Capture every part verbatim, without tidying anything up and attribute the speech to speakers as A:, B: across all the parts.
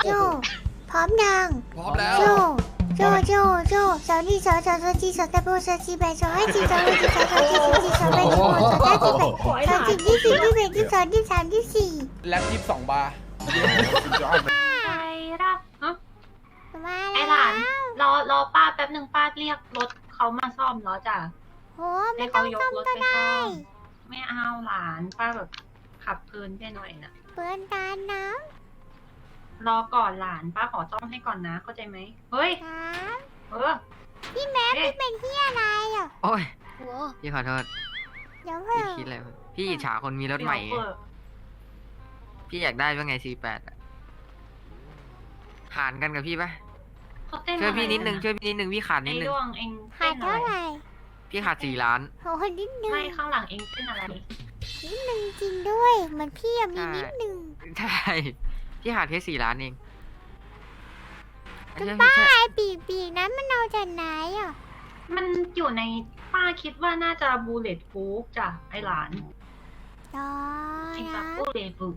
A: โจพร้อมยัง
B: พร้อมแล้ว
A: โจโจโจโจสาวนี่สาวสาวสาวจีสาวตะโบสาวจีแบสาวไอจีสาวไอจีสาวสาวจีสาวจีสาวแบสาวสาวจีแบสาวจีที่สี่ที่แปดที่สองที่สามที่สี่
B: แล็บยี่สิบสองบาร์
C: ไอ้รักฮะ
A: มา
C: ไอ้
A: แล้ว
C: หลานรอรอป้าแป๊บหนึ่งป้าเรียกรถเขามาซ่อมแล้วจ้ะ
A: โหไม่ต้องซ่อมก็ได้
C: ไม่เอาหลานป้าแบบขับเพลินไปหน่อยนะ
A: เปิดตาน้
C: รอก่อนหลานป้าขอซ่อมให้ก่อนนะเข้าใจไหมเฮ้ย
A: ำครับ
C: เออ
A: พี่แม่พี่เป็นที่อะไรอ่ะ
D: โอ้ย
A: โห
D: พี่ขอโทษ
A: เดี๋ยว
D: พี่
A: เพิ่ง
D: คิดอะไรวะพี่อิจฉาคนมีรถใหม่ไง
C: เดี๋ยวเปิด
D: พี่อยากได้ว่าไง ซี แปด อะหารกันกับพี่ปะ
C: เขาเต้น
D: ช่วยพี่นิดนึง
C: อะไร
D: ช่วยพี่นิดนึงพี่ขาดนิ
C: ไอ้
D: ดนึง
C: ดวงเอง
A: ขา
C: เต้
A: ด
C: นอะ
A: เท่า
C: ไร
A: ไหร่
D: พี่ขาดสี่ล้าน
A: โหนิดนึง
C: ไม่ข้างหลังเองเต้นอะไร
A: นิดนึงจริงด้วยเหมันพี่อะมี
D: ใช่
A: นิดนึง
D: ใช่ พี่ขาดแค่สี่ล้านเอง
A: จะ
D: ใช่
A: บ้า
D: ใช่
A: ไอ้ปีกปีกนั้นมันเอาจากไหนอ่ะ
C: มันอยู่ในป้าคิดว่าน่าจะบูเลตฟูฟจ้ะไอ้หลาน
A: อ๋อ
C: ไอ้
A: นะ
C: แบบบูเลตฟูฟ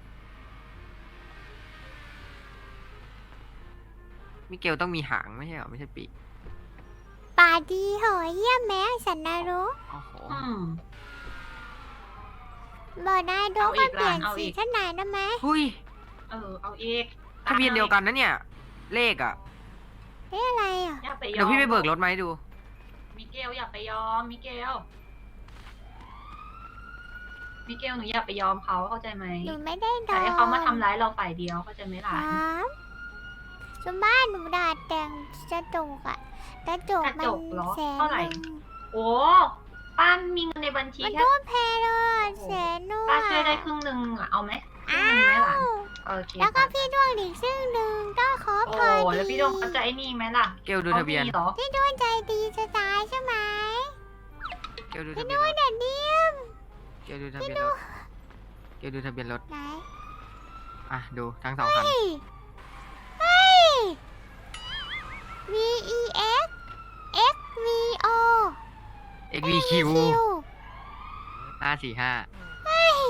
D: มิเกลต้องมีหางไม่ใช่เหรอไม่ใช่ปีก
A: ป่าดีเหรอเยี่ยมแม่สันนรก
D: โอ้โห
C: อืม
A: บอกนายโด
C: เอาอี
A: มัน
C: ก
A: เปลี่ยน
C: ล่ะเอา
A: สี
C: อีก
A: ขนาดนั้นไหม
D: หุ้ย
C: เออเอาเอก
D: ทะเบียนเดียวกันนะเนี่ย เลขอะ
A: เฮ้ยอะไรอ่ะ
C: อย่าไปยอม
D: เดี๋ยวพี่ไปเบิกรถมาให้ดู
C: มิเกลอย่าไปยอมมิเกลมิเกลหนูอย่าไปยอมเขาเข้าใจไหม
A: หนูไม่ได้โด
C: แต่
A: น
C: ให้เขามาทำร้ายเราฝ่ายเดียวเข้าใจไหมห
A: ค
C: ลาน
A: รับสมบ้านหนูดาดแต่งกระจกอ่ะกระจกมันแสนหนึ่ง
C: โอ้ป้ามีเงินในบัญชี
A: มัน
C: แค่
A: โดนแพ้เลยแสนนู่น
C: ป้าช่วยได้ครึ่งหนึ่งอะเอาไหมครึ่งหนึ่งไหมหลานโอเค
A: แล้วก็พี่ดวงอีกซึ่งหนึ่งก็ขอ
C: โอ้
A: พอดี
C: แล้วพี่ดงเขาจะไอ้นี่ไหมล่ะ
D: เกลดูทะเบียน
C: ขามีเหรอ
A: พี่ดวงใจดีจะตายใช่ไหม
D: เกลดูทะ
A: พี่
D: เบี
A: ด
D: ยน
A: ว
D: รง ถ
A: เด็ดเดียม
D: เกลดูทะเบียนรถเกลดูทะเบียนรถ
A: ไหน
D: อ่ะดูทั้งสองคัน
A: เฮ้ยเฮ้ย V E X X V O
D: เอ็กวีคิวห้าสี่ห้า
A: เฮ้ย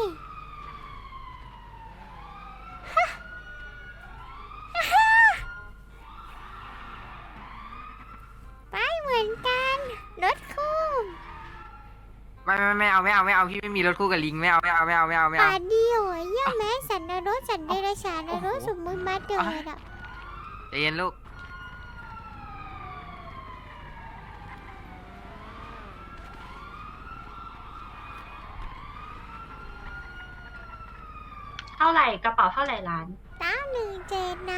A: ฮะฮะไปเหมือนกันรถคู่
D: ไม่ไม่ไม่เอาไม่เอาไม่เอาพี่ไม่มีรถคู่กับลิงไม่เอาไม่เอาไม่เอาไม่เอาไม่เอา
A: ป่าเดียวอ่ะเยี่ยมแม้สันนรกสันเดรัจฉานนรกสมมุติมาเดินอ่ะ
D: ใจเย็นลูก
C: เท่าไหร่กระเป๋าเท่าไหร่ล้าน
A: เก้าหนึ่งเจ็ดน้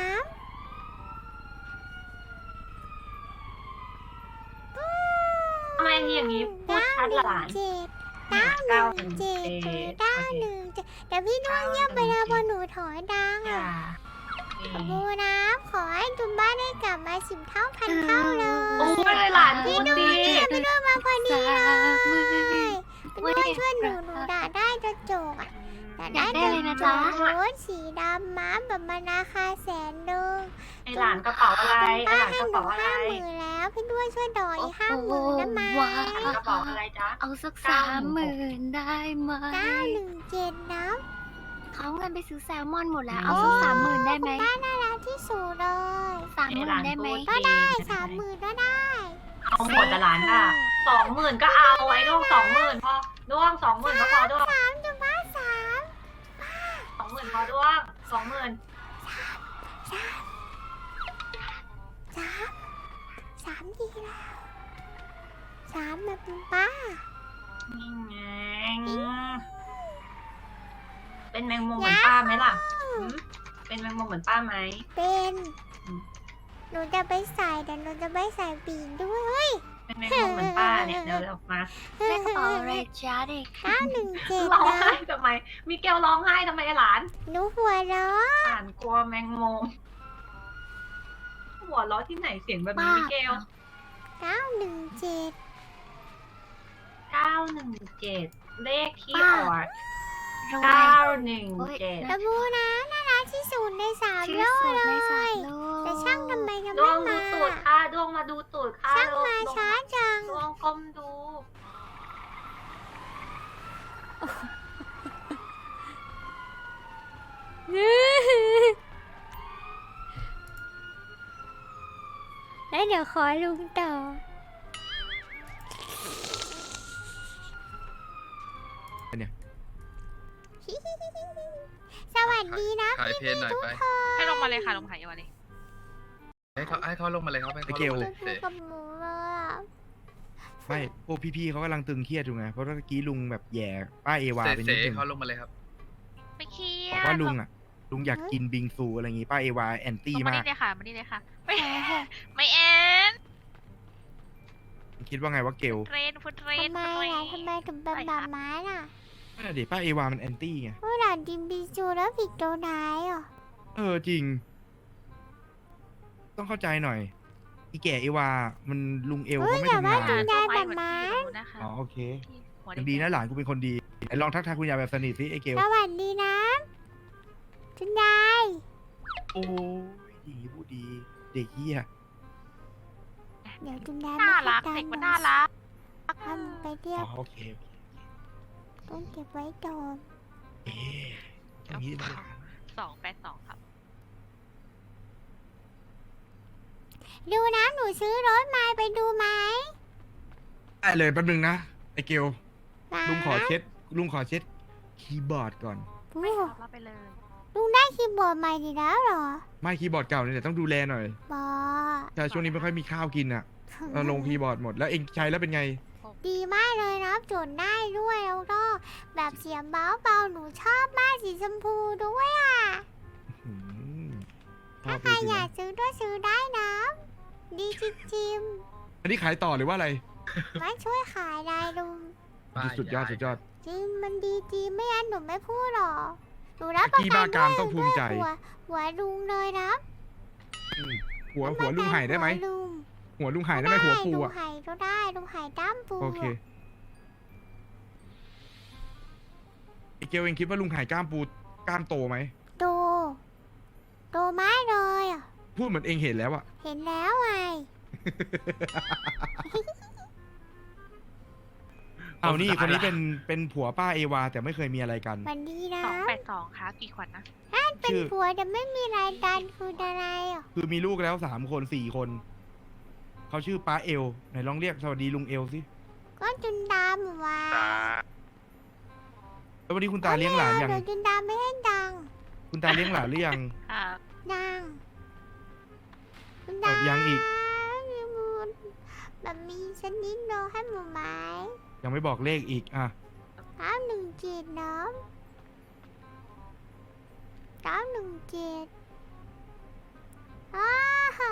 C: ทำไมทีอย่างนี้
A: ำ
C: พูดชัดละหลาน
A: เจ็ดเก้าหนึ่งเจ็ดเก้าหนึ่งเจ็ดแต่พี่ดวงเยี่ยมไปแล้วพอหนูถอยดัง
C: อย่า
A: อ่ะ
C: เอ่อ
A: บูน้ำขอให้จุมบ้านได้กลับมาสิบเท่าพันเท่าเลย
C: โอ้ยหลานพูดดี
A: พี่ดวงมาพอดีเลยพี่ดวงช่วยหนูหนูด่าได้กระจกอ่ะด่าได้กระจกรถสีดำม้าแบบมาราคาแสนหนึ่ง
C: ไอหลานกระเป๋าอะไรไอ
A: ป้า
C: หลาน
A: ให้
C: กระ
A: หนู
C: เป๋าอะไร
A: ห้าหมื่นแล้ว พี่ด้วยช่วยดอยห้าหมื่นได้ไหม
E: ว้า
C: กระเป๋าอะไรจ๊ะ
E: เอาสักสามหมื่นได้ไหม
A: เก้าหนึ่งเจ็ดนะ
E: เขาเงินไปซื้อแซลมอนหมดแล้ว เอาสักสามหมื่นได้ไหม
A: ป้าน่ารักที่สุดเลย
E: สามหมื่นได้ไหม
A: ก็ได้สามหมื่นก็ได้
C: เอาหมดแต่หลานอ่ะสองหมื่นก็เอาไอ้ดวงสองหมื่นพอดวงสองหมื่นก็พอดวง
A: สามจุดบ้าสาม
C: สองหมื่นพอดวงสองหมื่น
A: สามสามสามดีแล้วสามแบบคุณป้า
C: นี่ไงเป็นแมงมุมเหมือนป้าไหมล่ะหืมเป็นแมงมุมเหมือนป้าไหม
A: เป็นหนูจะไปใส่แต่หนูจะไปใส่ปีกด้วยเฮ้ย
C: เป็นแมงมุมเหมือนป้าเนี่ยเดี๋ยวเดี๋ยวมา
E: ได้กระเป๋าอะไรจ้าเด็ก
A: เก้าหนึ่งเจ็ด
C: ร้อง
A: นะ
C: ไห้ทำไมมิเกลร้องไห้ทำไมไอ้หลาน
A: หนูหัวเราะ
C: หลานกลัวแมงมุมหัวเราะที่ไหนเสียงแบบนี้มิเกล
A: เก้าหนึ่งเจ็ด
C: เก้าหนึ่งเจ็ดเลขที่อ
E: ป้า
C: อก
E: รวย
C: เก้าหนึ่งเจ็ด
A: ตะบูนะน่ารักที่สุดในสาม
E: ที่
A: โล
E: สุ
A: ก
E: ด
A: เล
E: ในสาม
A: ย
E: โลก
A: แต่ช่างทำไมยัง
C: ด
A: ไม่
C: วงดู
A: มา
C: ตูดค่ะดวงมาดูตูดค่ะ
A: ช่าง
C: ดวง
A: มาช้าจัง
C: ดวงก้มดู
A: เแล้วเดี๋ยวขอลุงต่อ
B: เนี่ย
A: สวัสดีนะ
F: ขายเพลงหน่อยไป
G: ให้ลงมาเลยค่ะลงหายมาเลย
F: ให้เขาให้เขาลงมาเลยครับให้เขาลงมาเลย
A: คุยกับหมูเลยอะ
B: ไม่พวกพี่ๆเขากำลังตึงเครียดอยู่ไงเพราะเมื่อกี้ลุงแบบแย่ป้าเอวา
F: เส
B: เป็น
F: เส
B: นิดนึง
F: เขาลงมาเลยครับ
G: ไม่เครีย
B: บ
G: ด
B: อกว่าลุงอ่ะลุงอยากกินบิงซูอะไรอย่างงี้ป้าเอวาแอนตี้
G: ลงมา
B: มา
G: นี่
B: ก
G: เลยค่ะมานี่เลยค่ะ ไม่ไม่แอน
B: คิดว่าไงว่าเกล
G: เทรนฟุตเทรน
A: ทำไม
G: ฟุตเทร
A: ล่ะ
G: น
A: ทำไมถึงเป็นแบบม้าน่ะ
B: นั่นนะดิป้าเอวามันแอนตี้ไง
A: เมื่อหลานดิมบิจูแล้วผิดตัวไหนอ่ะ
B: เออจริง ต้องเข้าใจหน่อยอีแก่เอวามันลุงเอลเขาไม่ทำงาน
A: คุณยายแบบม้า
G: นะคะ
B: อ๋อโอเค
G: หัว
B: ยังดีนะหลานกูเป็นคนดีไหนลองทักทายคุณยายแบบสนิทสิไอ้เกล
A: สวัสดีนะคุณยาย
B: โอ้ยดีพูดดี เด็กเหี้ย
A: เดี๋ยวคุณยาย
G: น่ารัก
A: ให้
G: เด็กมัน
A: ตั
G: น่าง รัก
A: ทำไปเรีย
B: อ๋
A: บ
B: อโอเคโอเค
A: ต้องเก็บไว้โดน
B: เอ๊ะอย่างนี้นะหลาน
G: สองแปดสองครับ
A: ดูนะหนูซื้อรถมาไปดูไหม
B: ได้เลยแป๊บนึงนะไอ้เกล
A: นะ
B: ลุงขอเช็ดลุงขอเช็ดคีย์บอร์ดก่อน
A: โอ้
G: ไม่ครับรับไปเลย
A: ลุงได้คีย์บอร์ดใหม่ดีแล้วเหรอ
B: ไม่คีย์บอร์ดเก่าเนี่ยต้องดูแลหน่อย
A: บอ
B: แต่ช่วงนี้ไม่ค่อยมีข้าวกินอ่ะเออลงคีย์บอร์ดหมดแล้วเองใช้แล้วเป็นไง
A: ดีมากเลยนะจดได้ด้วยแล้วก็แบบเสียงเบาเบาๆหนูชอบมากสีชมพูด้วยอ่ะ
B: อืมชอ
A: ถ้า
B: บ
A: ใคร
B: เลยสิ
A: อยา
B: นะ
A: กซื้อก็ซื้อได้นะดีจริง
B: อันนี้ขายต่อหรือว่าอะไร
A: ๆมาช่วยขายได้ลุง
B: สุดยอดสุดยอด
A: จริงมันดีจริงไม่งั้นหนูไม่พูดหรอกหนูรับประ
B: พี่
A: กั
B: บ้าน กามต้องภูมิใจ
A: ด้วยหัวหัวลุงเลยนะ
B: อืมหัวหัวลุงไห่ได้ไหม
A: หัวลุง
B: หัวลุงไห่ได้ไหมหัวปู
A: ลุง
B: อ่ะ
A: ไห่ก็ได้ลุงไห่ด้ามปู
B: โอเคไอเกลเองคิดว่าลุงไห่กล้ามปูกล้ามโตไหม
A: โตโตไม้เลยอ่ะ
B: พูดเหมือนเองเห็นแล้วอะ
A: เห็นแล้วไง
B: เอานี่คนนี้เป็นเป็นผัวป้าเอวา แต่ไม่เคยมีอะไรกัน
A: วันดีนะ
G: สองแปดสองค่ะกี่ขวัญนะ
A: เป็น
B: ชื่อ
A: ผัวแต่ไม่มีรายการคืออะไรอ่ะ
B: คือมีลูกแล้วสามคนสี่คน เขาชื่อป้าเอลไหนลองเรียกสวัสดีลุงเอลสิ
A: ก็จุนดามว่า
B: แล้ววันนี้คุณตาเลี้ยงหลานยัง
A: เดี๋ยวจุนดามไม่ให้ดัง
B: คุณตาเลี้ยงหลานหรือยัง
G: ค่ะ
A: ดังจุน
B: เอ่
A: ดา
B: อยังอีก
A: แบบมีชนิดโนให้หมูไม้
B: ยังไม่บอกเลขอีกอ่ะ
A: เก้าหนึ่งเจ็ดน้องเก้าหนึ่งเจ็ดอ้าฮ่า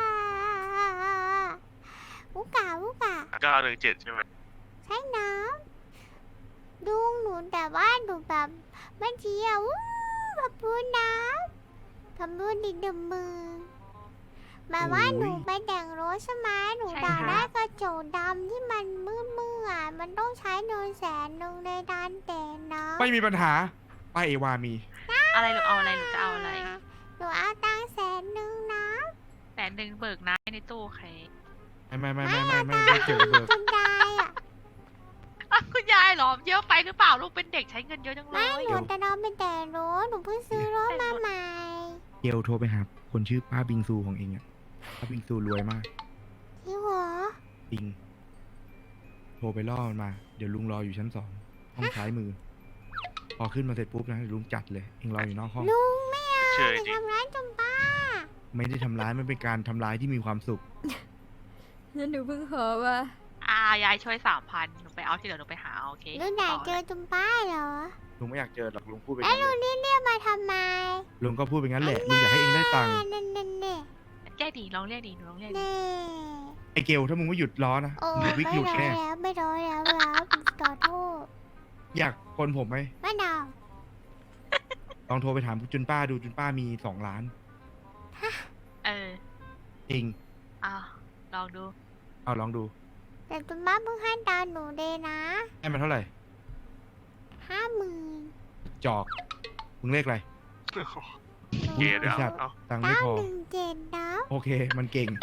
A: อุกาอุกา
H: เก้าหนึ่งเจ็ดใช่ไหม
A: ใช่น้ำดุงหนูแต่ว่าหนูแบบเมื่อกี้อะวู้แบบพูดน้ำทำพูดดิดมมือแบบว่า
B: โอ้ย
A: หนูไปแต่งรถใช่ไหมหนูอยากได้กระจกดำที่มันมืดมืดอ่ะมันต้องใช้เงินแสนหนึ่งในการแต่งนะ
B: ไม่มีปัญหา ป้าเอวามี
G: อะไรหรือเอาอะไรหรือจะเอาอะไร
A: หนูเอาตังค์แสนหนึ่งนะ
G: แสนหนึ่งเบิกนะในตู้ใคร
B: ไม่ไม่ไม่ไม่ไม่ไม่ไม่เกี่ยวกับเบิก
A: คุณยายอ่ะ
G: อ่ะคุณยายเหรอเยอะไปหรือเปล่าลูกเป็นเด็กใช้เงินเยอะจังเล
A: ไม่
G: ย
A: หนูแต่น้องเป็นแต่งรถหนูเพิ่งซื้อรถมาใหม่
B: เกลโทรไปหาคนชื่อป้าบิงซูของเองอะป้าบิงซูรวยมาก
A: ที่หัว
B: บิง โทรไปล่อมันมา เดี๋ยวลุงรออยู่ชั้นสองห้องซ้ายมือ พอขึ้นมาเสร็จปุ๊บนะเดี๋ยวลุงจัดเลย เองรออยู่นอกห้อง
A: ลุงไม่เอา
H: เชื่อ
A: ไป
H: จริง
A: ทำร้ายจมป้า
B: ไม่ได้ทำร้ายมันเป็นการทำร้ายที่มีความสุข
E: แล้วหนูเพิ่งขอว่า
G: อ่ายายช่วยสามพันหนูไปเอาที่เหลือหนูไปหาเอาโอเค
A: ลุงอยากเจอจมป้าเหรอ
B: ลุงไม่อยากเจอหรอกลุงพูดไป
A: แล้ว
B: งั้น
A: ลุ
B: เล
A: ง
B: ย
A: นี่เรียกมาทำไม
B: ลุงก็พูดไปงั้นแหละ ลุงอยากให้เองได้ตังค์
A: เน่เน่เน่
G: เรียกดีลองเรียกดีหนูลองเรียกดี
A: เน่
B: ไอเกลถ้ามึงไม่หยุดล้อนะ
A: โอ้
B: มึง
A: ไม่
B: วิกหลุด
A: ร้อย
B: แน่
A: แล้วไม่ร้อยแล้วครับขอโทษ
B: อยากคนผมไหม
A: ไม่เอา
B: ลองโทรไปถามจุนป้าดูจุนป้ามีสองล้าน
G: เออ
B: เอง
G: เอาลองดู
B: เอาลองดู
A: แต่จมป้าเพิ่งให้ดาวหนูเลยนะ
B: ให้มันเท่าไหร่
A: ห้าหมื่น
B: จอก มึงเลขอะไร
H: เกย์เดี๋ยว
B: ไอ้สัตว์
H: เอา
B: ตังค์ไม่
A: เก้า
B: พอ
A: หนึ่งเจ็ดนะ
B: โอเค มันเก่ง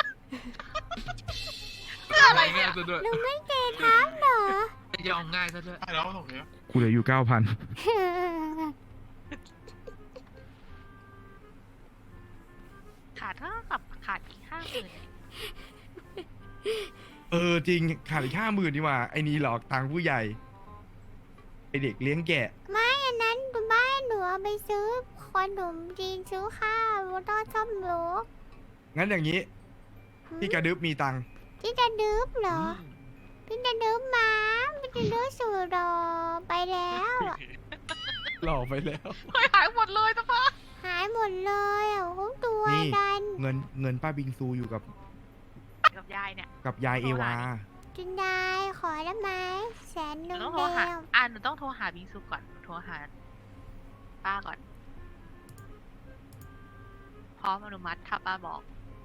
F: อะไรเนี่ยซะด้วย
A: ลุงไม่เจ็ดทับเหรอ
F: ยอมง่ายซะด้วย
H: ได้แล้วตรงนี้
B: กูเหลืออยู่เก้าพัน
G: ขาดเท่ากับขาดอีกห้าหมื่น
B: เออจริงขาดอีกห้าหมื่นดีกว่าไอ้นี่หลอกตังค์ผู้ใหญ่ไอเด็กเลี้ยงแกะ
A: ไม่อันนั้นคุณบ้านหนูเอาไปซื้อขนมจีนซื้อข้าวแล้วก็ซ่อมรถ
B: งั้นอย่างนี้พี่กระดึบมีตังค์
A: พี่จะดื้อเหรอ พี่จะดื้อมาพี่จะดื้อสู่รอไปแล้วอะ
B: หลอกไปแล้ว
G: เฮ้ยหายหมดเลยนะป้า
A: หายหมดเลยอ่ะเขาตัว
B: นี่
A: ดัน
B: เงินเงินป้าบิงซูอยู่กับ
G: กับยายเนี่ย
B: กับยายเอวา
A: จินได้ขอได้ไหมแสนห
G: หนู
A: นึ่ง
G: ต้องโทร
A: เดี
G: หา
A: ยว
G: อ่าหนูต้องโทรหาบิงซูก่อนหนูโทรหาป้าก่อน พร้อมอนุมัติถ้าป้าบอก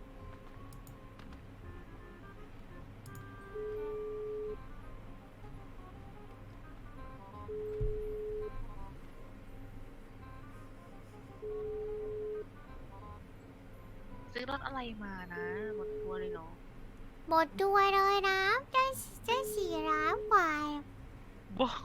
G: ซื้อรถอะไรมานะหมดตัวเลยเหรอ
A: หมดตัวเลยนะเจ้าเจ้าสี่ล้านกว่า
G: บ้า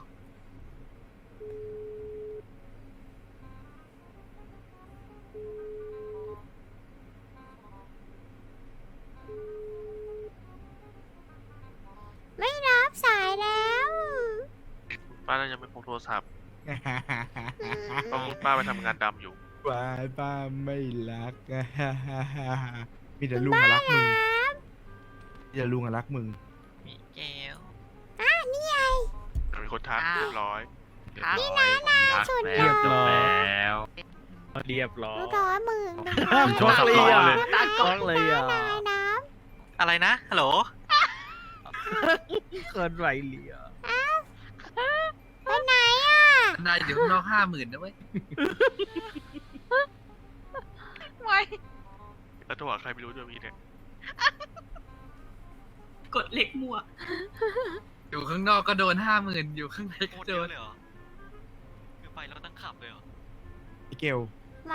A: ไม่รับสายแล้ว
H: ป้าน่าจะไม่พกโทรศัพท์ต้องป้าไปทำงานดำอยู่
B: วายป้าไม่รัก มีแต่ลุงอะรักมึงมีแต่ลุงอะรักมึง
D: มีแก้ว
A: อ่ะนี่ไง
H: มีคนทักเรียบร้อย
G: ครับ
A: นี่นะนาสุดห
I: เรียบ
A: ล่อ
I: ร้อยแล้วเรียบร้อย
A: รู้ร้อยหมื่นหนึ่ง
I: ห้ามช็อกเลยอ่ะ
A: ตา
I: ช็อกเลยอ่ะ
A: นายน้
D: อะไรนะ ฮัลโหล
I: เกินไหวเหลีย
A: ำไปไหนอ่ะ
F: นายอยู่ข้างนอกห้าหมื่นนะเว้ย
G: ไม่
H: แล้วโทรหาใครไม่รู้ด้วยมีเนี่ย
C: กดเล็กมัว
F: อยู่ข้างนอกก็โดนห้าหมื่นอยู่ข้างในก็โดน
D: คือไปแล้วตั้งขับเลยเหรอ
B: ไอเกล
A: หมา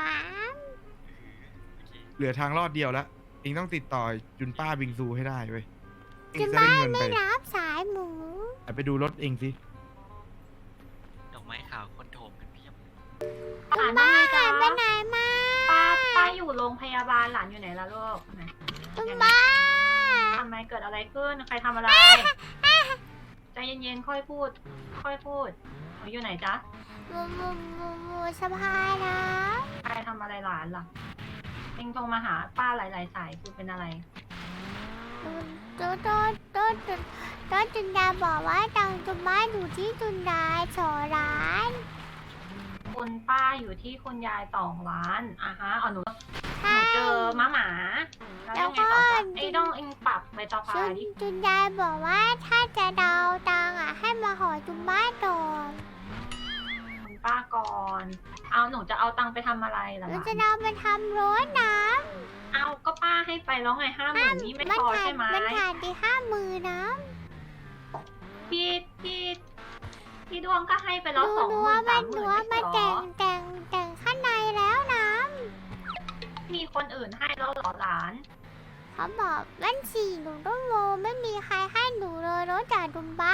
B: เหลือทางรอดเดียวแล้วเองต้องติดต่อจุนป้าบิงซูให้ได้เว้ยเอง
A: จะ
B: จะได้
A: บ้า
B: เงิน
A: ไม่
B: ไป
A: รับสายหมู
B: ไปดูรถเองสิ
D: ดอกไม้ขาวคนโถมกันเพียบ
C: หลานว่าไงจ๊ะ
A: ไปไหนมา
C: ป้าป้าอยู่โรงพยาบาลหลานอยู่ไหนล่ะลูกไหน
A: คุณบ้า
C: ทำไมเกิดอะไรขึ้น ใครทำอะไร ใจเย็นๆ ค่อยพูด ค่อยพูดหนูอยู่ไหนจ๊ะ
A: หมูหมูหมูหมูสะพายนะ
C: ใครทำอะไรหลานล่ะ เองโทรมาหาป้าหลายๆสายคือเป็นอะไร
A: โต๊ะโต๊ะโต๊ะโต๊ะโต๊ะจุนดาบอกว่าตังจุนบ้าอยู่ที่จุนดาสอร้าน
C: คุณป้าอยู่ที่คุณยายสองล้านอ่ะฮะเอาหนูห
A: ใช่
C: นูเจอม้าหมา แล้วยังไงต่อจ๊ะไอ้ต้องเองปรับใบตาพา
A: จุน
C: ดิ
A: จุนดาบอกว่าถ้าจะเดาตังอ่ะให้มาหอจุนบ้าก่อน
C: คุณป้าก่อน เอาหนูจะเอาตังค์ไปทำอะไรล่ะ
A: ห
C: ห
A: นู
C: ลาน
A: จะเดาไปทำรถน้
C: เอาก็ป้าให้ไปแล้วไงห้าห
A: ำ
C: มื่นนี่ไม่
A: มัน
C: พอ
A: ขาด
C: ใช่ไหม
A: มันขาดที่ห้ามือนะ
C: พี่พี่พี่ดวงก็ให้ไปแล้ว
A: ดู
C: สองห
A: ดู
C: มื่
A: ว่าน มั
C: สาน มห
A: ดู
C: มื่น
A: ว่า
C: ไม่
A: มัน
C: ใช่หร
A: แต่
C: อง
A: แต่งแต่งข้างในแล้วนะ
C: มีคนอื่นให้แล้วเหรอหลาน
A: เขาบอกวันสี่หนูต้องโมไม่มีใครให้หนูเลยนอกจากจุนบ้า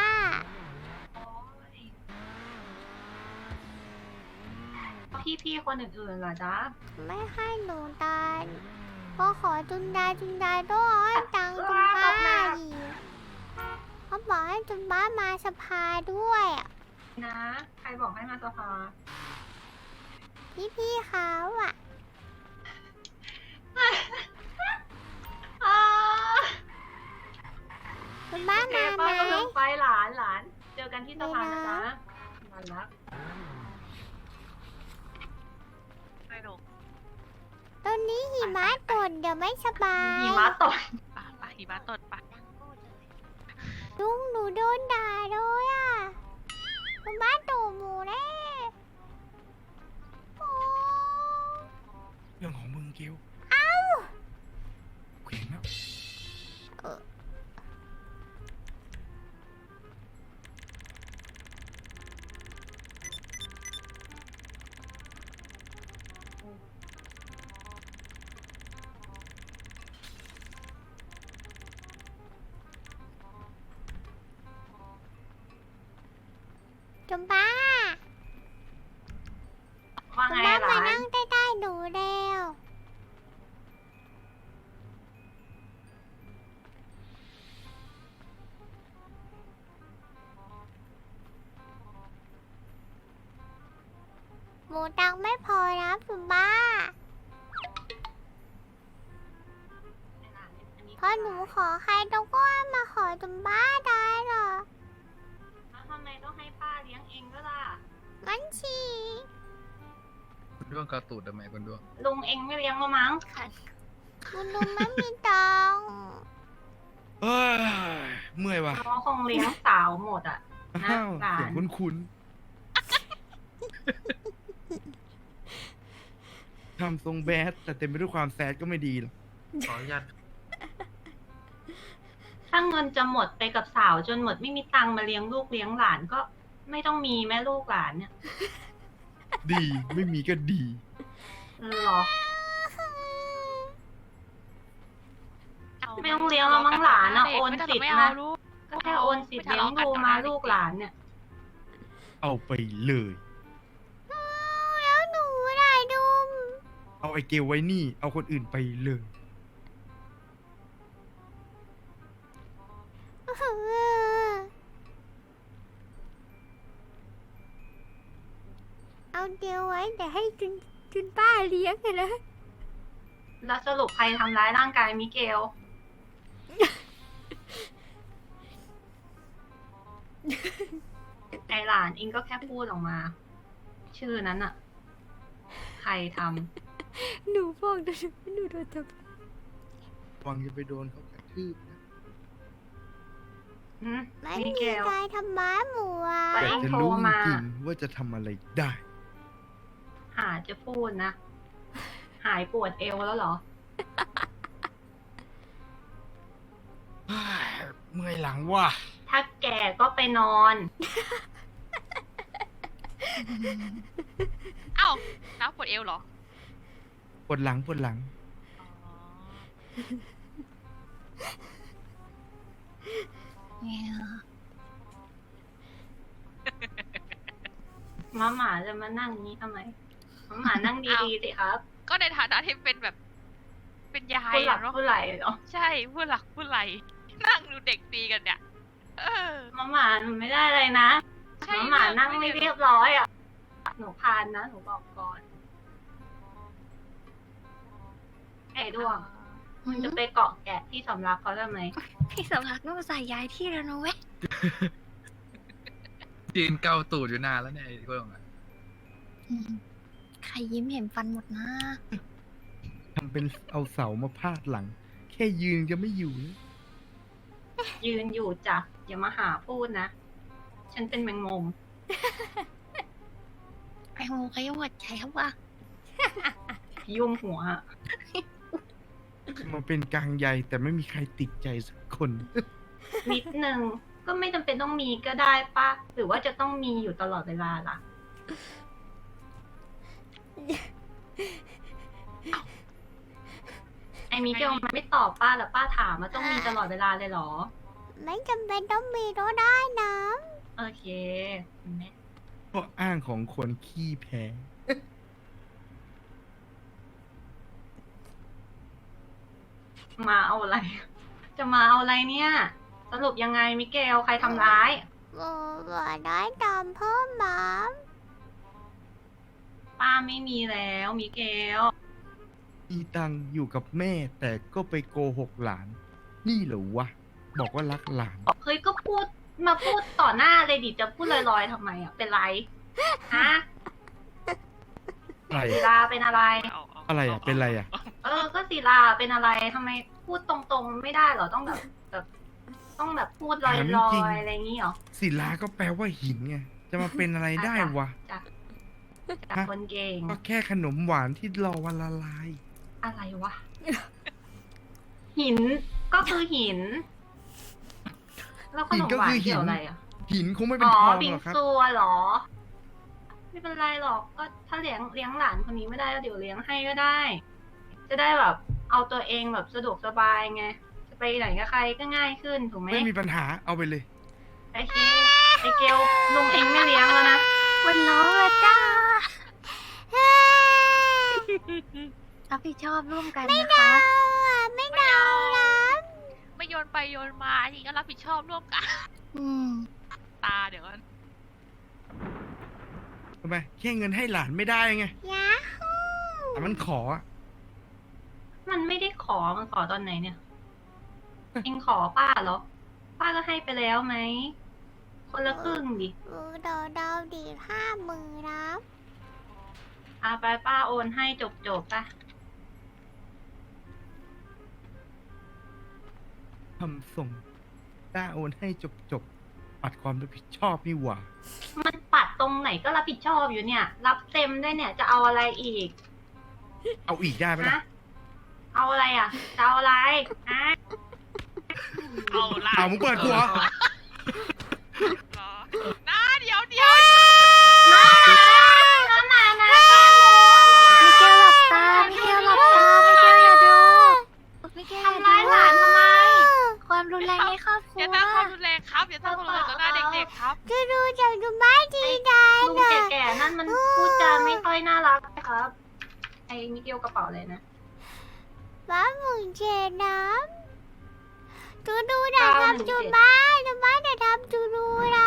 C: พี่พี่ๆคนอื่นๆเหรอจ๊ะ
A: ไม่ให้หนูตายพอขอจุนดาจุนดาต้องเอาให้ตังค์จุนบ้าอีกเขาบอกให้จุนบ้ามาสภาด้วยอะ
C: นะ ใครบอกให้มาสภา
A: พี่พี่ๆเขาอ่ะ
C: อ่า
A: จุนบ้า
C: โอเค
A: มาไหม
C: ป้าก็ลงไปหลานหลาน เจอกันที่สภานะจ๊ะหลานรัก
G: ไม่ลง
A: ตอนนี้หิมะตกเดี๋ยวไม่สบาย
C: หิมะตก
G: ป่ะป่ะหิมะตดป่ะ
A: ลุงหนูโดนด่าเลยอ่ะจุนบ้าตูหมูแน่โอ้
B: เรื่องของมึงเกล
A: เอ้า
B: เขวงแล้ว
A: จุนบ้า
C: ว่า
A: จุ
C: ไง
A: นบ้า
C: ห
A: มา
C: ลาน
A: นั่งใต้ๆหนูแล้วมูตังค์ไม่พอนะคุณป้าพอหนูขอใครต้องก็มาขอจุมบ้าได้เหรอ
C: แล้วทำไมต้องให้ป้าเลี้ยงเองก็ล่ะ
A: งั้นชี
F: คุณด้วงกาตูดทำไมคุณด้วง
C: ลุงเองไม่เลี้ยงก็มั้ง
A: คุณลุงไม่มีตังค์
B: เอ้ยเมื่อยว่ะ
C: เพราะคงเลี้ยงสาวหมดอ่ะ นะ
B: อ้าว
C: หลา
B: เสียง
C: น
B: คุ้นๆทำทรงแบดแต่เต็มไปด้วยความแซดก็ไม่ดีหรอก
H: ขออนุญาต
C: ถ้าเงินจะหมดไปกับสาวจนหมดไม่มีตังค์มาเลี้ยงลูกเลี้ยงหลานก็ไม่ต้องมีแม่ลูกหลานเนี่ย
B: ดีไม่มีก็ดี
C: หรอ ไม่ต้องเลี้ยงแล้วมั้งหลานอะโอนสิทธิ์
G: ไม่
C: นะ
G: เอาลูก
C: ก็แค่โอนสิทธิ์เลี้ยงดูมาลูกหลานเนี่ย
B: เอาไปเลย
A: แล้วหนูได้ดุม
B: เอาไอเกลไว้นี่ เอาคนอื่นไปเลย
A: เอาเดียวไว้แต่ให้จุนจุนป้าเลี้ยงไงนะ
C: แล้วสรุปใครทำร้ายร่างกายมิเกล ไอหลานเองก็แค่พูดออกมา ชื่อนั้นอะใครท
A: หนูบอกนะหนูโดนจับ
B: วังจะไปโดนเขากระทืบนะ
C: ำหืม
A: ไม่
C: มิ
A: มี
C: เกล
A: ใครทำม้าหมูอ่ะ
C: ไป
B: แต่
C: เอง
B: จะ
C: โทร
B: รู้
C: มา
B: จริงๆว่าจะทำอะไรได้
C: หาจะพูดนะ หายปวดเอวแล้วเหรอ
B: เฮ้ยเมื่อยหลังว่ะ
C: ถ้าแก่ก็ไปนอน
G: เอ้าน้าปวดเอวเหรอ
B: ปวดหลังปวดหลัง
C: มาหมาจะมานั่งนี้ทำไมมาหมานั่งดีๆสิครับ
G: ก็ในฐานะที่เป็นแบบ เป็นยาย
C: ผู้หลัก
G: อะเนาะ
C: ผู้ไหลเหรอ
G: ใช่ผู้หลักผู้ไหลนั่งดูเด็กตีกันเนี่ย เออ
C: มาหมาหนูไม่ได้เลยนะ
G: ใช่
C: มาหมานั่งไม่เรียบร้อยอ่ะ หนูพานนะ หนูบอกก่อน ไอ้ด้วงมึงจะไปเกาะแกะที่สำรักเขาทำไม
E: พี่สำลักต้องใส่ย้ายที่แล้วนะเว้ย
F: ยืนเกาตูดอยู่นานแล้วเนี่ยไอ้ด้วงอะ
E: ใครยิ้มเห็นฟันหมดนะ
B: ทำเป็นเอาเสามาพาดหลัง แค่ยืนจะไม่อยู่นะ
C: ยืนอยู่จ้ะอย่ามาหาพูดนะ ฉันเป็นแมงมุม
E: ไอ้โมก็ยังหวัดใจครับว่า
C: ยุ่มหัวอะ
B: มาเป็นกลางใยแต่ไม่มีใครติดใจสักคน
C: นิดนึง ก็ไม่จำเป็นต้องมีก็ได้ปะหรือว่าจะต้องมีอยู่ตลอดเวลาล่ะ ไอ้มิเกลมันไม่ตอบป้าแล้วป้าถามมาต้องมีตลอดเวลาเลยเหรอ
A: ไม่จำเป็นต้องมีก็ได้นะ
C: โอเคแม่
B: เพราะอ้างของคนขี้แพ้
C: มาเอาอะไร จะมาเอาอะไรเนี่ย สรุปยังไงมิเกลใครทำร้าย
A: โอ้ว่าได้ตามเพิ่มหมา
C: ป้าไม่มีแล้วมิเกล
B: มีตังค์อยู่กับแม่แต่ก็ไปโกหกหลาน นี่เหรอวะ บอกว่ารักหลาน
C: เฮ้ยก็พูดมาพูดต่อหน้าเลยดิจะพูดลอยๆทำไมอ่ะ เป็นไร ฮะ
B: อะไร
C: ศิลาเป็นอะไร
G: เอาเอา
B: อะไรอ่ะ เป็นอะไรอ่ะ
C: เออ ก็ศิลาเป็นอะไรทำไมพูดตรงๆไม่ได้เหรอ ต้องแบบแบบต้องแบบพูดลอย
B: ถามจริง
C: ๆอะไรอย่างงี้เหรอ
B: ศิลาก็แปลว่าหินไง จะมาเป็นอะไรได้วะ
C: จากจาก
B: ฮะ
C: คนเก่ง
B: ก็แค่ขนมหวานที่รอวันละลาย
C: อะไรวะ หินก็คือหิน แล้วขนมหวานเกี่ยวอะไรอ่ะ
B: หินคงไม่เป็น
C: อ๋อ
B: ทอง
C: บิง
B: หรอกครับ
C: ซัวเหรอ ไม่เป็นไรหรอกก็ถ้าเลี้ยงเลี้ยงหลานคนนี้ไม่ได้ก็เดี๋ยวเลี้ยงให้ก็ได้ จะได้แบบ เอาตัวเองแบบสะดวกสบายไง จะไปไหนกับใครก็ง่ายขึ้นถูกไหม
B: ไม่มีปัญหาเอาไปเลย
C: ไอเคไอเกลลุงเองไม่เลี้ยงแล้วนะ
E: วันน้องละจ้า รับผิดชอบร่วมกันนะคะ
A: ไม่เอานะ
G: ไม่โยนไปโยนมาทีก็รับผิดชอบร่วมกัน
E: อืม
G: ตาเดี๋ยวก่อน
B: ทำไมแค่เงินให้หลานไม่ได้ไง
A: ยาฮู
B: แต่มันขออะ
C: มันไม่ได้ขอมันขอตอนไหนเนี่ย เองขอป้าเหรอ ป้าก็ให้ไปแล้วไหม คนละครึ่งดิ
A: เออดาวดาวดีห้าหมื่นนะ
C: อาไปป้าโอนให้จบจบๆปะ
B: ทำส่งต้าโอนให้จบจบปัดความรับผิดชอบนี่หว่า
C: มันปัดตรงไหนก็รับผิดชอบอยู่เนี่ย รับเต็มได้เนี่ยจะเอาอะไรอีก
B: เอาอีกได้ไหมล่ะ
C: ฮะเอาอะไรอ่ะจะเอาอะไรฮะ
G: เอาละ
B: เอามึงเปิดกูเหรอ
G: นะเดี๋ยวเดี๋ยว
C: น้าน้าน้าน้า
E: มิเกลหลับตามิเกลหลับตามิเกลอย่าดูมิเกลอย่า
C: ทำร้ายหลานทำไม
E: ความรุนแรงในครอบครัว
G: อย่าตั้งความรุนแรงครับ อย่าตั้งความรุนแรงต่อหน้าเด็กๆครับ
A: จะดูจากดูบ้านดีได้
C: ลุง
A: นะ
C: แก่ๆนั่นมันพูดจาไม่ค่อยน่ารักครับ ไอ้มิเกลกระเป๋าเลยนะ
A: บ้านหมุนเชนน้ำดูดูนะทำจูบ้านจูบ้านจะทำจูดูนะ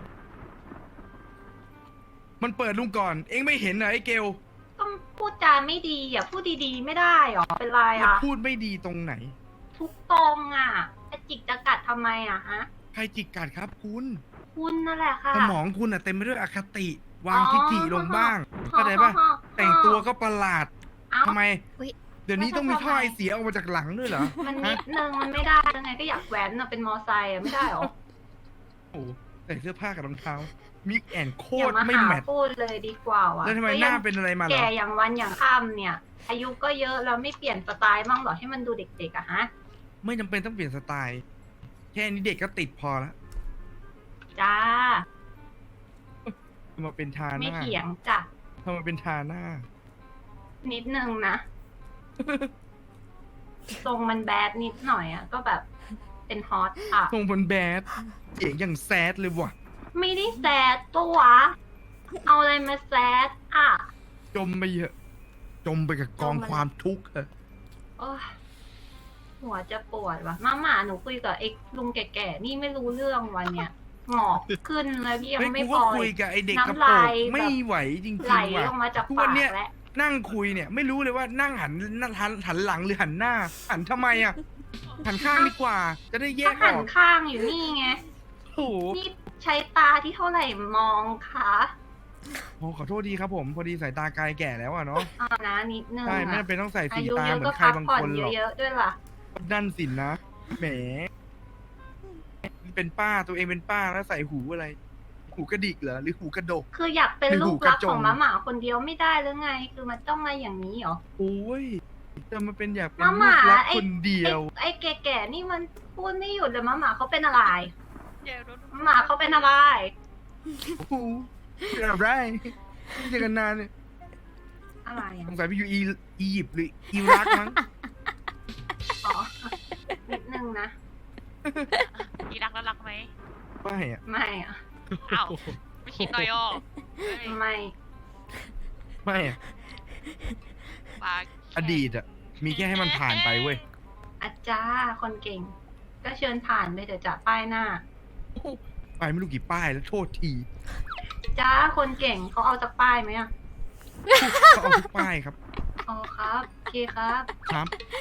B: มันเปิดลุงก่อน เอ็งไม่เห็นเหรอไอ้เกล
C: ก็พูดจาไม่ดีอ่ะพูดดีๆไม่ได้หรอเป็นไร
B: มัน
C: อ่ะ
B: พูดไม่ดีตรงไหน
C: ทุกตรงอ่ะจะจิกจะกัดทำไมอ่ะฮะ
B: ใครจิกกัดครับคุณ
C: คุณนั่นแหละค่ะ
B: สมองคุณอะเต็มไปด้วยอคติ วางทิฐิลงบ้างเข้าใจปะแต่งตัวก็ประหลาด
C: เอ้า
B: ทำไม
E: อุ๊ย
B: เดี๋ยวนี้ต้องมีท่อไอเสียออกมาจากหลังด้วยเหรอ
C: มัน
B: ฮะ
C: นิดนึงมันไม่ได้ยังไงก็อยากแว้นอ่ะเป็นมอไซค์อ่ะไม่ได้หรอ
B: โอ้โหใส่เสื้อผ้ากับรองเท้า มิกแอนโค
C: อย่า
B: ตร
C: มา
B: ไม่
C: หา
B: แมท
C: พูดเลยดีกว่าว่ะ
B: แล้วทำไม
C: ก็
B: ห
C: ยั
B: น้าง เป็นอะไรมาเหรอ
C: แก่อย่างวันอย่างค่ำเนี่ย อายุก็เยอะแล้วไม่เปลี่ยนสไตล์บ้างเหรอให้มันดูเด็กๆอะฮะ
B: ไม่จำเป็นต้องเปลี่ยนสไตล์ แค่นี้เด็กก็ติดพอแล้ว
C: จ้า
B: ทำมาเป็นทาห
C: ไม่
B: น้า
C: เถียงจ้ะ
B: ทำมาเป็นทาหน้า
C: นิดนึงนะ ทรงมันแบดนิดหน่อยอะก็แบบเป็นฮอตอ่ะ
B: ทรงบนแบดเสียงอย่างแซดเลยว่ะ
C: ไม่ได้แซดตัววะเอาอะไรมาแซดอ่ะ
B: จมไปเยอะ จมไปกับกอง
C: จมมัน
B: ความทุกข์อะ
C: โอ้ยหัวจะปวดว่ะมาหมาหนูคุยกับไอ้ลุงแก่ๆนี่ไม่รู้เรื่องวันเนี้ยหงอกขึ้นแล้วยัง
B: เฮ้ย
C: ไม่
B: กู
C: พ
B: ก็
C: อ
B: คุยกับไอเด็กกระ
C: น้ำ
B: โปร
C: ลาง ยแบบ
B: ไม่ไหวจริง
C: ไหล
B: ๆว่ะ
C: ลงมาจาก
B: ทุก
C: ปา
B: วัน
C: ก
B: เนี้ย
C: แล้ว
B: นั่งคุยเนี่ย ไม่รู้เลยว่านั่งหันนั่งหันหันหลังหรือหันหน้า หันทำไมอ่ะ หันข้างดีกว่า จะได้แย
C: ก็
B: กอ
C: หัน
B: อก
C: ข้างอยู่นี่ไง
B: โอ้โห
C: นี่ใช้ตาที่เท่าไหร่มองคะ
B: โอ้ขอโทษดีครับผม พอดีสายตาไกลแก่แล้วอ่ะเนาะ
C: เอานะนิดนึง
B: ใช่ไม่
C: อะ
B: จำเป็นต้องใส่
C: อา
B: สี
C: ยุ
B: ตา
C: เยอะ
B: เหมือ
C: ก็
B: นใคร
C: พัก
B: บาง
C: ผ่อ
B: คน นหรอก
C: เยอะๆด้วยล่ะ
B: นั่นสินนะ แหม เป็นป้าตัวเองเป็นป้าแล้วใส่หูอะไร หูกระดิกเหรอ หรือหูกระดก
C: คืออยากเป็น
B: เป็น
C: ลู
B: หู
C: ก
B: กระ
C: รัก
B: จ
C: ข
B: ง
C: องหมาหมาคนเดียวไม่ได้หรือไง คือมันต้องมาอย่างนี้เหรอ
B: โอ้ยจะมาเป็นอยากเป็น
C: มาห
B: ลู
C: มาก
B: รัก
C: ไอ้
B: คนเดียว
C: ไอ้แก่ๆนี่มันพูดไม่หยุดเลยหมาหมาเขาเป็นอะไร
G: เดี๋ยวโดน
C: หมาหมาเขาเป็นอะไร
B: โอ้โหเป็นอะไรไม่เจอกันนานเนี่ย
C: อะไร
B: ส
C: อ่ะ
B: งสัยไปอยู่อีอียิปต์หรืออิรักมั้ง
C: อ๋อนิดนึงนะ
G: อีรักแล้วรักไหม
B: ไม่อะ
C: ไม่อ่ะ
G: อ้าว ไม่คิดหน่อยอ่ะเฮ้ย
C: ไม่
B: ไม่อะ
G: ปาก
B: อดีตอะมีแค่ให้มันผ่านไปเว้ย
C: อาจารย์คนเก่ง ก็เชิญผ่านไปเถอะจ้ะป้ายหน้า
B: ไปไม่รู้กี่ป้ายแล้วโทษที
C: จ้าคนเก่งเขาเอาจากป้ายไหมอ่ะ
B: เขาเอาทุกป้ายครับ
C: อ๋อครับโอเคครับ
B: ครับ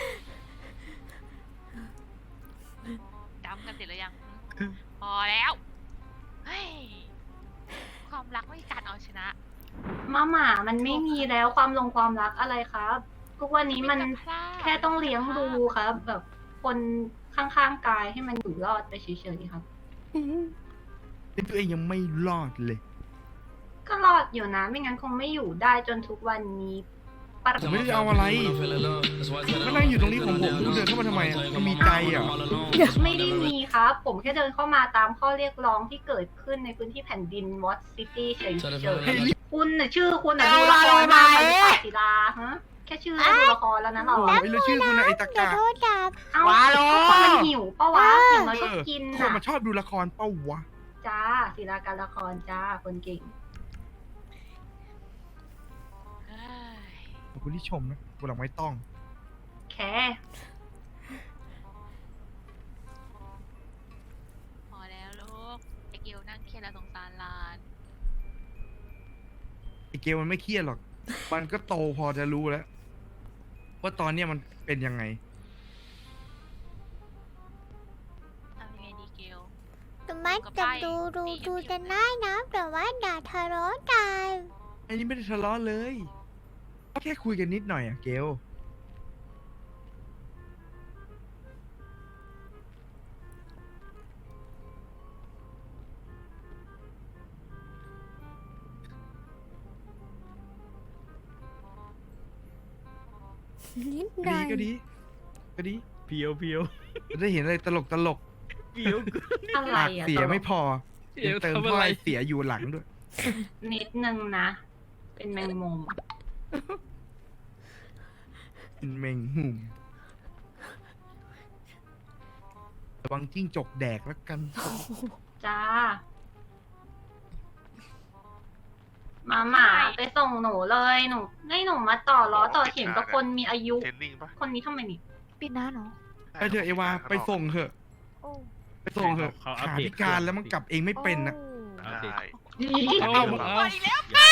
G: จำกันเสร็จแล้วยัง พอแล้ว เฮ้ย ความรักไม่มีการเอาชนะ
C: มาหมามันไม่มีแล้วความลงความรักอะไรครับ ทุกวันนี้มัน
G: เป็นภาพ
C: แค่ต้องเลี้ยงดูครับ แบบคนข้างๆกายให้มันอยู่รอดไปเฉยๆครับ
B: เป็นตัวเองยังไม่รอดเลย
C: ก็รอดอยู่นะ ไม่งั้นคงไม่อยู่ได้จนทุกวันนี้ปะ
B: ผมไม่ได้เอาอะไรก็นั่งอยู่ตรงนี้ของผมคุณเดินเข้ามาทำไมอะมันมีใจเหรอ
C: ไม่ได้มีครับ ผมแค่เดินเข้ามาตามข้อเรียกร้องที่เกิดขึ้นในพื้นที่แผ่นดินวอตซิตี้เฉย
B: ให้รีบ
C: ๆคุณน่ะชื่อคุณน่ะดูละครมาเหมือนปาศิลาฮะแค่ชื่อก็ดูละครแล้วนะเรา
B: โอ้ยแล้วชื่อคุณอะไอตะ
A: อย่าก
B: า
A: โทษจับ
C: เอ้า
B: ว้าโล
C: คนมันหิวปะวะอย่างน้อยก็กิน
B: คน
C: น่ะ
B: มาชอบดูละครเป้าวะ
C: จ้าศิลาการละครจ้าคนเก่ง
G: เฮ้ย
B: ขอบคุณที่ชมนะวันหลังไม่ต้อง
C: แค่
G: พอแล้วลูกไอเกียวนั่งเครียดแล้วสงสารหลาน
B: กลมันไม่เครียดหรอก มันก็โตพอจะรู้แล้วว่าตอนเนี้ยมันเป็นยังไง
G: ทำยังไงดีเกล
A: แต่ไม่จับดูดูดูจะน่านะแต่ว่าด่าทะเลาะกัน
B: อันนี้ไม่ได้ทะเลาะเลยแค่คุยกันนิดหน่อยอะเกล
A: นิดห
B: ก็
A: น่
B: ดี
A: อย
B: ก็ดีก็ดี
I: เพียวเพียว
B: จะได้เห็นอะไรตลกตลก
I: เพียว
C: อะไร
B: ปาก
C: อ่ะ
B: เสีย
C: ตลก
B: ไม่พอ
I: เพียว
B: ยังเติม
I: ทำ
B: ถ้
I: อะไร
B: อยเสียอยู่หลังด้วย
C: นิดนึงนะ เป็นแมงมุม
B: เป็นเมงหุ่มระวังจิ้งจกแดกแล้วกัน
C: จ้า มาหมาไปส่งหนูเลยหนูให้หนูมาต่อล้อต่อเข็มกับคนมีอายุ
H: เทรนนิ่งปะ
C: คนนี้ทำไมนี่
E: ปิดหน้าเนาะ
B: ไปเถอะเอวาไปส่งเถอะ
E: โอ้
B: ไปส่งเถอะ
I: เขาอัป
B: ขา
I: เดต
B: พิการแล้วมันกลับเองไม่เป็นนะ
I: เอาสิ
H: ได้
I: เอา
B: เอา
I: เอา
G: ไปแล้ว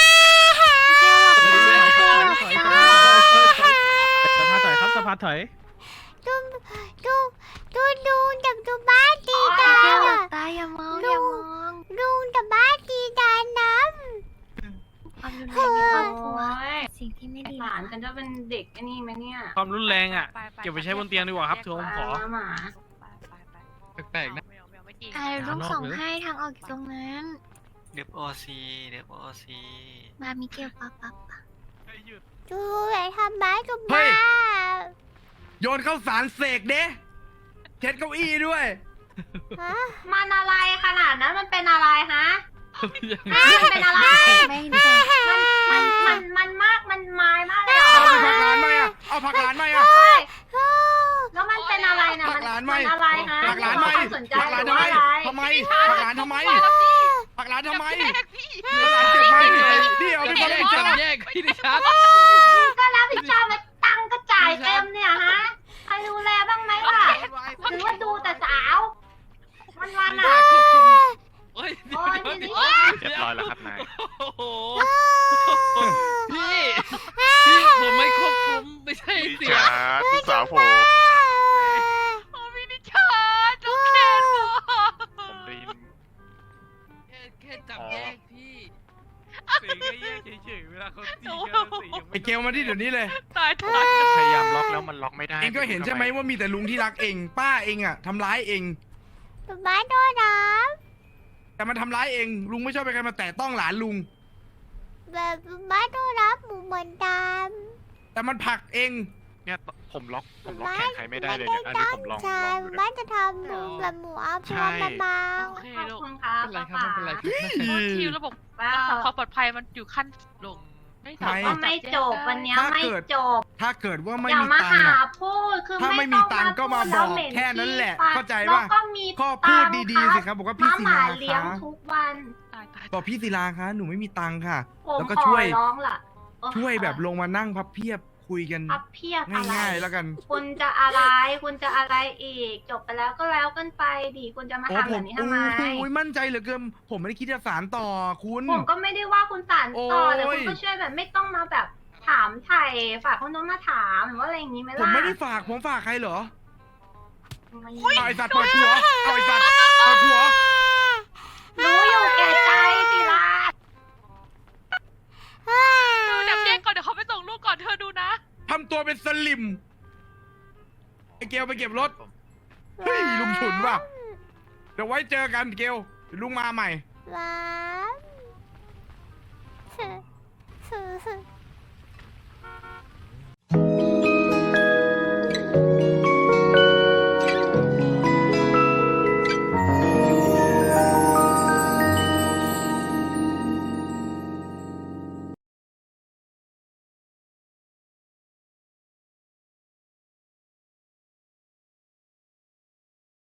I: สภาถอยครับสภาถอย
A: ดูดูดูดูจับดูบ้าตีตา
E: แก้วหลั
A: อ่ะ
E: บตาอย่ามองอย่ามอง
A: ดูแต่บ้าตีตาน้
E: ความรุนแรงในครอบครัว
C: โอ้ย
E: สิ่งที่ไม่ดี
C: หลานฉันจะเป็นเด็กไอ้นี่ไหมเนี่ย
I: ความรุนแรงอ่ะ
G: ไปๆ
I: เก็บไว้ใช้บนเตียงดีกว่าครับ
G: แย
I: ทวม
G: ไป
I: ขอ
C: มาหมา
G: ไปไปไป
F: แปลกๆนะ
G: ไม่เอาไม่เอาไม่จริง
E: ไอ้ลูกส่งให้ทางออกอยู่ตรงนั้น
D: เดฟโอซีเดฟโอซี
E: มามิเกลปะปะปะ
A: ำดูอย่าทำบ้ากับ
B: เฮ้
A: บ้าย
B: โยนเข้าสารเสกเด้เช็ดเก้าอี้ด้วย
A: ฮะ
C: มันอะไรขนาดนั้นมันเป็นอะไรฮะมันเป็นอะไร
E: ไม่ได้
C: มันมันมันมันมากมันไม้มากเลยเหรอ
B: เอาไปผักหลานไหมอ่ะเอาผักหลานไหมอ่ะ
C: เฮ้ยแล้วมันเป็นอะไรนะ
B: ผั
C: มัน
B: กหลานไหม
C: มันอะไรฮะ
B: ผักหลานไหม
C: ความสนใจ
B: ผักหลาน
C: หรื
B: ทำ
C: อ
B: ไม
C: ว่าอะไร
B: ทำไมผักหลานทำไมผักหลานทำไมผักหลานเจ็บไหมนี่เอาไปผักหลานเจ็บ
F: แยกพี่ดิชัด
C: ก็รับผิดชอบมาตังค์ก็จ่ายเต็มเนี่ยฮะใครดูแลบ้างไหมล่ะหรือว่าดูแต่สาววันวันๆอ่ะ
F: โอ้ย
C: โอ้ยนี่นี่
H: เรียบร้อยแล้วครับนาย
F: โอ้โหพี่ พี่ผมไม่ควบคุมไม่ใช่
H: พี่
F: เสีย
H: จ๋าลูกสาวผม
G: โอ้พี่นิชาน้องเคนบอก
H: ผมได้ยิน
F: แค่แค่จับแยกพี่
I: สีก็แยกเฉยๆเวลาเขาตีกันสียัง
B: ไอเกลมาที่เดี๋ยวนี้เลย
G: ตายตาย
H: พยายามล็อกแล้วมันล็อกไม่ได้
B: เองก็เห็นใช่ไหมว่ามีแต่ลุงที่รักเอง ป้าเองอ่ะทำร้ายเอง
A: แต่บ้าโดนน้
B: แต่มันทำร้ายเอง ลุงไม่ชอบไปใครมาแตะต้องหลานลุง
A: ำแบบบ้าโดนน้ำหมูเหมือนด
B: แต่มันผลักเอง
H: เนี่ยผมล็อกผม
A: ำ
H: ล็อกแขนใครไม่ได้เลยเนี่ยอันนี้ผมลอง
A: ใช่
H: ลองดูนะ
A: บ้าจะทำหนูแบบหมูเอาพ
H: ใช่
A: วงเบา
G: โอเค
C: ขอบ
G: ลูก
C: คุณครับ
F: ไม่เป็นไรครับไม่เป็นไรครับ
G: เพราะทีมระบบ
C: ป้า
G: อ่า
C: ขอ
G: ความปลอดภัยมันอยู่ขั้นลงไม่สามารถ
C: ก็ไม่จบวันเนี้ย
B: ถ้า
C: ไม่
B: เกิด
C: จบ
B: ถ้าเกิดว่าไม่
C: อย่า
B: มี
C: มา
B: ตังค์
C: หา
B: อะ
C: พูดคือ
B: ถ้าไม่มีตังค์ก็มาบอกแค่นั้นแหละเข้าใจปะ
C: แล้วก็มี
B: ก็พูดดีๆสิครับบอกว่าพี่
C: ม้า
B: ศิ
C: หมา
B: ลา
C: เลี้ยง
B: คะ
C: ทุกวัน
G: ตายตาย
B: บอกพี่ศิลาคะหนูไม่มีตังค์ค่ะ
C: ผม
B: แล้วก็
C: ขอ
B: ช่วย
C: ร้องล่ะเออ
B: ช่วยแบบลงมานั่งพับเพียบคุยกัน
C: พับเพียบอะไร
B: ง่ายๆแล้วกัน
C: คุณจะอะไร คุณจะอะไรอีก จบไปแล้วก็แล้วกันไปดิคุณจะมา
B: โอ้
C: ทำ
B: ผ
C: แบ
B: ม
C: บนี้ทำไม
B: โอ้ยมั่นใจเหลือเกินผมไม่ได้คิดจะสารต่อคุณ
C: ผมก็ไม่ได้ว่าคุณสานต่อแต่
B: โอ้ย
C: คุณก็ช่วยแบบไม่ต้องมาแบบถามไถ่ฝากคนโน้นมาถามหรือว่าอะไรอย่างนี้ไหมล่ะ
B: ผมไม่ได้ฝากผมฝากใครเหรอ
C: ไม่
B: เอาไอสัตว์เปิดหัวเอาไอสัตว์เปิดหัว
C: รู้อยู่แก่ใจสิล่ะ
G: ดูดับแยกก่อนเดี๋ยวเขาไปส่งลูกก่อนเธอดูนะ
B: ทำตัวเป็นสลิมไอเกลไปเก็บรถเฮ้ยลุงฉุนว่ะเดี๋ยวไว้เจอกันเกลเดี๋ยวลุงมาใหม่
A: ว้าว